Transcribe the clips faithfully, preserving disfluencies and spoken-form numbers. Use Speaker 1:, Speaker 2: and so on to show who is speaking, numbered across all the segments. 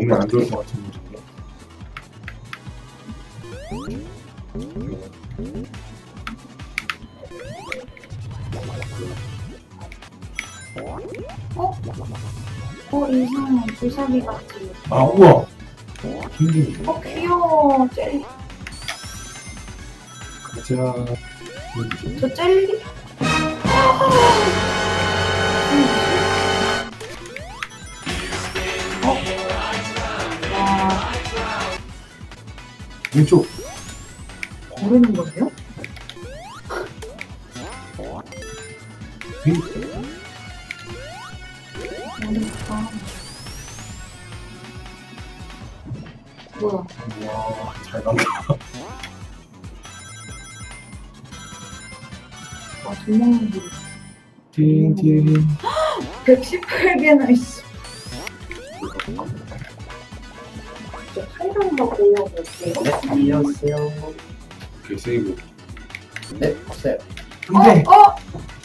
Speaker 1: 몸에 안 좋을 것 같은 느낌.
Speaker 2: 어? 어, 이상해. 주사기 같아.
Speaker 1: 아, 우와! 힘들네.
Speaker 2: 어, 귀여워. 젤리.
Speaker 1: 가자. 뭐지?
Speaker 2: 저 젤리? 어? 와,
Speaker 1: 왼쪽.
Speaker 2: 고르는 거예요?
Speaker 1: 위.
Speaker 2: 모르겠다. 뭐야?
Speaker 1: 우와, 잘 간다.
Speaker 2: 와, 돈 먹는 길.
Speaker 1: 띵띵.
Speaker 2: 백십팔 개나 있어. 저 칼럼 갖고 올라올게요.
Speaker 3: 네, 안녕하세요.
Speaker 1: 오케이, 세이브.
Speaker 3: 네, 없어요.
Speaker 1: 근데,
Speaker 2: 어? 어?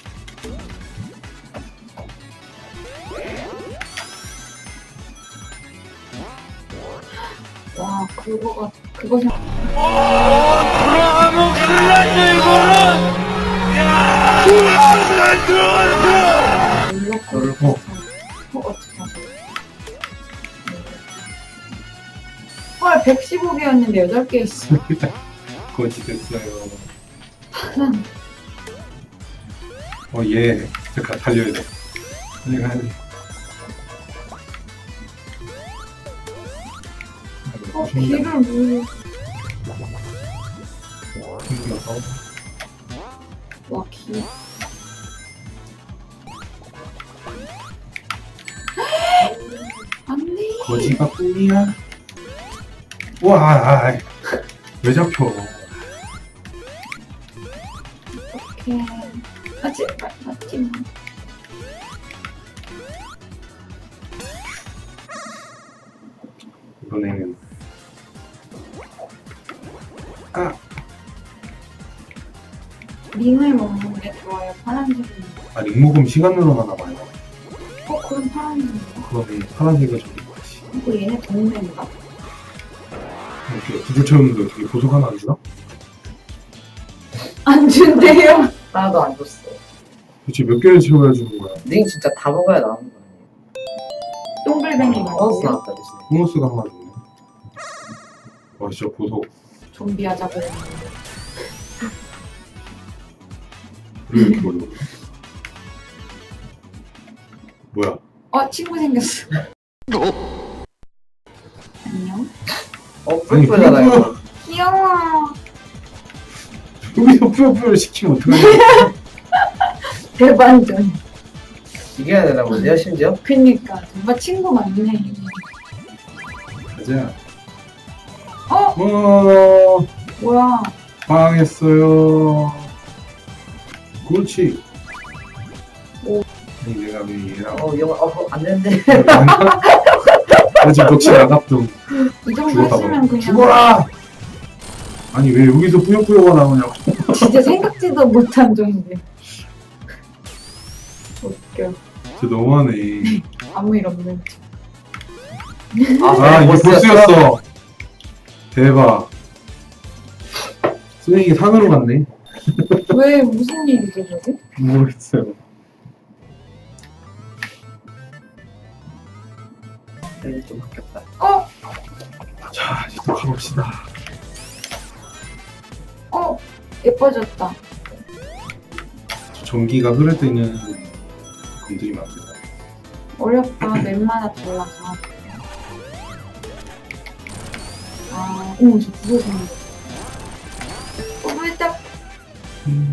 Speaker 2: 와, 그거가, 그거 생각.
Speaker 4: 돌아가면 큰일 났네 이거는. 야, 들어간다.
Speaker 2: 놀랐고.
Speaker 1: 놀랐고.
Speaker 2: 어, 어떻게 하세요? 헐, 백십오 개였는데 여덟 개 있어.
Speaker 1: 거지 됐어요. 어, 얘. 잠깐, 달려야 돼. 달려가야 돼.
Speaker 2: 어, 길을 모르.
Speaker 1: 힘들어서.
Speaker 2: 와, 길. 안 돼.
Speaker 1: 거지가 꿈이야? 우와, 아, 아, 왜 잡혀?
Speaker 2: 어떡해. 아, 제발, 맞지 마.
Speaker 1: 이번에는. 아,
Speaker 2: 링을 먹는 게 좋아요, 파란색은.
Speaker 1: 아, 링 먹으면 시간 늘어나나 봐요.
Speaker 2: 어, 그럼 파란색인가?
Speaker 1: 그러면 파란색을 좀 입어야지.
Speaker 2: 어, 얘네 동네인가?
Speaker 1: 이렇게 구조 채우는데 어떻게 보석 하나 안 주나?
Speaker 2: 안 준대요.
Speaker 3: 하나도 안 줬어.
Speaker 1: 도대체 몇 개를 채워야 주는 거야?
Speaker 3: 링 진짜 다 먹어야 나오는 거 아니에요?
Speaker 2: 동글뱅이
Speaker 3: 어,
Speaker 2: 먹었어요.
Speaker 3: 나왔다, 대신.
Speaker 1: 보너스가 하나 주네. 와, 진짜 보석.
Speaker 2: 좀비 하자 그랬는데.
Speaker 1: 왜 이렇게 어려워? 뭐야?
Speaker 2: 어, 친구 생겼어. 안녕.
Speaker 3: 어,
Speaker 1: 아니,
Speaker 3: 뿔뿔잖아요.
Speaker 1: 뿔뿔.
Speaker 2: 귀여워.
Speaker 1: 여기서 뿌요뿌요를 시키면 어떡하냐?
Speaker 2: 대반전.
Speaker 3: 이겨야 되나 본데요, 심지어?
Speaker 2: 그니까 정말 친구 많네.
Speaker 1: 가자.
Speaker 2: 어?
Speaker 1: 어,
Speaker 2: 뭐야?
Speaker 1: 망했어요. 그렇지.
Speaker 2: 오.
Speaker 1: 아니, 내가 왜 얘랑.
Speaker 3: 어, 이거, 어, 안 되는데.
Speaker 1: 나 지금 덕치 나갔던.
Speaker 2: 이 정도
Speaker 1: 죽었다
Speaker 2: 했으면
Speaker 1: 봐.
Speaker 2: 그냥
Speaker 1: 죽어라! 아니, 왜 여기서 뿌요뿌요가 나오냐고.
Speaker 2: 진짜 생각지도 못한 정도. 웃겨.
Speaker 1: 진짜 너무하네.
Speaker 2: 아무 일 없는 척.
Speaker 1: 아, 이게
Speaker 3: 보스였어?
Speaker 1: 보스였어. 대박. 스윙이 산으로 갔네.
Speaker 2: 왜 무슨 일이죠 저게?
Speaker 1: 모르겠어요.
Speaker 3: 링이 좀 바뀌었다.
Speaker 2: 어?
Speaker 1: 자, 이제 또 가봅시다.
Speaker 2: 어? 예뻐졌다.
Speaker 1: 전기가 흐를 때는 건드리면 안 돼요.
Speaker 2: 어렵다. 맵마다 달라서. 아, 오, 저 그거 생겼어. 어, 살짝,
Speaker 1: 음,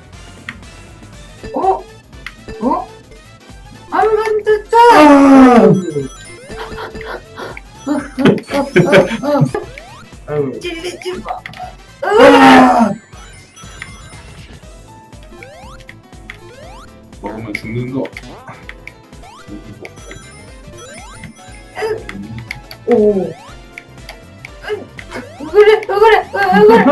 Speaker 2: 어? 어? 안 만졌다!
Speaker 1: 아!
Speaker 2: 어, 어, 어, 어.
Speaker 3: 아유,
Speaker 2: 찔리지 마.
Speaker 1: 아! 먹으면 죽는 거.
Speaker 2: 오. 왜 그래, 왜 그래, 왜 그래,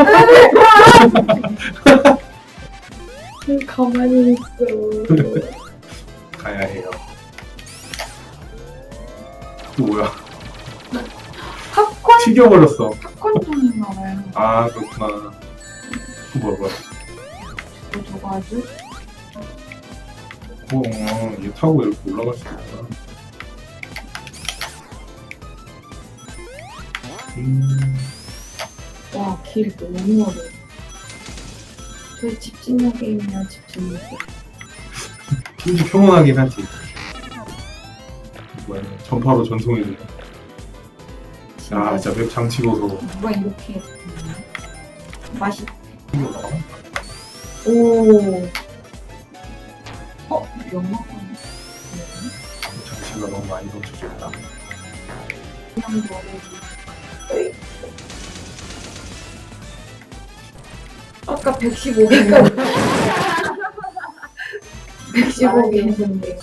Speaker 2: 왜 그래. 왜 가만히 있어.
Speaker 1: 가야 해요. 또 뭐야? 튀겨버렸어.
Speaker 2: 팝콘통인가 봐요.
Speaker 1: 아, 그렇구나. 그 뭐야, 뭐야.
Speaker 2: 뭐 저거 아주?
Speaker 1: 어, 얘 타고 이렇게 올라갈 수 있구나. 음,
Speaker 2: 와, 길 너무 어려워. 저희 집진력 게임이야, 집진력 게임.
Speaker 1: 진짜 평온하긴 하지. 뭐야, 전파로 전송해주네. 아, 진짜 맵 장치고서
Speaker 2: 누가 이렇게 했나? 맛있.
Speaker 1: 튀겨나와?
Speaker 2: 오. 어, 영화관.
Speaker 1: 장치가 너무 많이 덮쳐졌다.
Speaker 2: 그냥 먹어도. 아까 백십오 개까지. 백십오 개 했는데.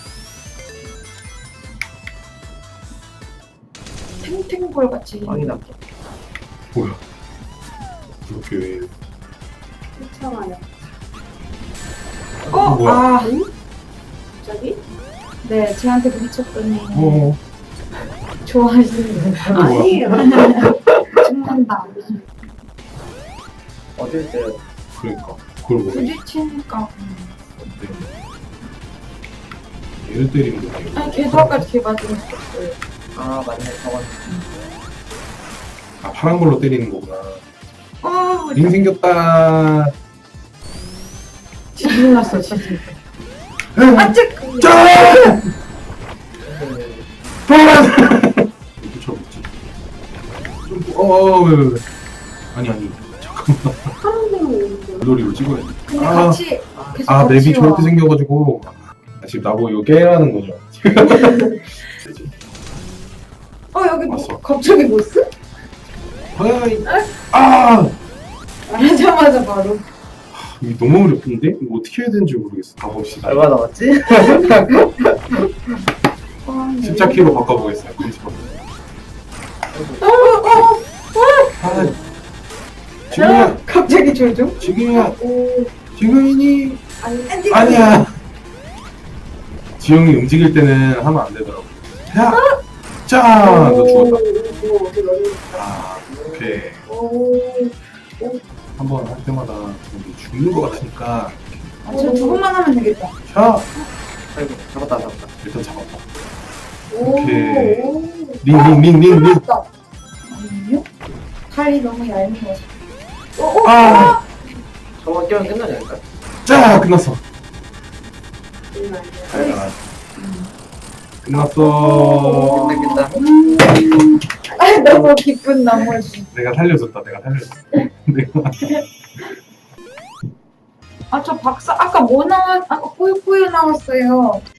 Speaker 2: 탱탱볼 같이.
Speaker 3: 빵이 났다.
Speaker 1: 뭐야? 그렇게 왜?
Speaker 5: 괜찮아요.
Speaker 2: 어,
Speaker 1: 뭐야?
Speaker 2: 아.
Speaker 5: 갑자기?
Speaker 2: 네, 쟤한테 부딪혔더니
Speaker 1: 어,
Speaker 2: 좋아하시는 거
Speaker 1: 뭐야?
Speaker 5: 아니에요.
Speaker 2: 죽는다.
Speaker 3: 어딜 때
Speaker 1: 그러니까. 그걸 보네.
Speaker 2: 부딪히니까.
Speaker 1: 얘를 때리는 거지.
Speaker 2: 아니, 걔도 아까 걔 맞으면 죽었어요.
Speaker 3: 아 맞네 저건
Speaker 1: 아, 파란 걸로 때리는 거구나.
Speaker 2: 아,
Speaker 1: 링 생겼다.
Speaker 2: 지진 났어, 지진.
Speaker 1: 응.
Speaker 2: 아, 찌!
Speaker 1: 짠! 붙여붙지. 좀, 어, 어, 왜, 왜, 왜. 아니, 아니. 잠깐만.
Speaker 5: 파란색은 오는데.
Speaker 1: 물놀이로 찍어야 돼.
Speaker 2: 근데
Speaker 1: 아.
Speaker 2: 같이 계속
Speaker 1: 아,
Speaker 2: 같이
Speaker 1: 맵이
Speaker 2: 와.
Speaker 1: 저렇게 생겨가지고. 아, 지금 나보고 이거 깨라는 거죠.
Speaker 2: 어, 여기 뭐,
Speaker 1: 왔어.
Speaker 2: 갑자기 보스?
Speaker 1: 어이. 아!
Speaker 2: 말하자마자 바로.
Speaker 1: 이거 너무 어렵던데? 이거 어떻게 해야 되는지 모르겠어. 가봅시다.
Speaker 3: 얼마 남았지?
Speaker 2: 아, 네.
Speaker 1: 십자 키로 바꿔보겠어요.
Speaker 2: 어, 어,
Speaker 1: 아,
Speaker 2: 어.
Speaker 1: 지금이야,
Speaker 2: 갑자기 조종?
Speaker 1: 지금이야,
Speaker 5: 오,
Speaker 1: 지금이니?
Speaker 5: 아니,
Speaker 1: 아니야. 지영이 움직일 때는 하면 안 되더라고. 야, 짜, 너 죽었다.
Speaker 5: 오, 어디 넣는
Speaker 1: 아, 오케이.
Speaker 5: 오,
Speaker 1: 한 번 할 때마다 우리 죽는 것 같으니까.
Speaker 2: 아, 저 두 번만 하면 되겠다.
Speaker 1: 자,
Speaker 3: 아이고 잡았다 잡았다.
Speaker 1: 일단 잡았다.
Speaker 5: 오,
Speaker 1: 오케이.
Speaker 5: 오.
Speaker 1: 링, 링, 링, 링, 링.
Speaker 5: 맞다.
Speaker 2: 아니요? 칼이 너무 얄미워서.
Speaker 5: 오, 오,
Speaker 1: 아,
Speaker 3: 저거 끼면 끝나지 않을까?
Speaker 1: 자, 끝났어.
Speaker 5: 음, 아니야.
Speaker 1: 잘 끝났어.
Speaker 3: 끝나 끝나.
Speaker 2: 아, 너무 기쁜 나머지.
Speaker 1: 내가 살려줬다. 내가 살려줬어. 내가
Speaker 2: 아, 저 박사, 아까 뭐 나왔, 아까 뿌요뿌요 나왔어요.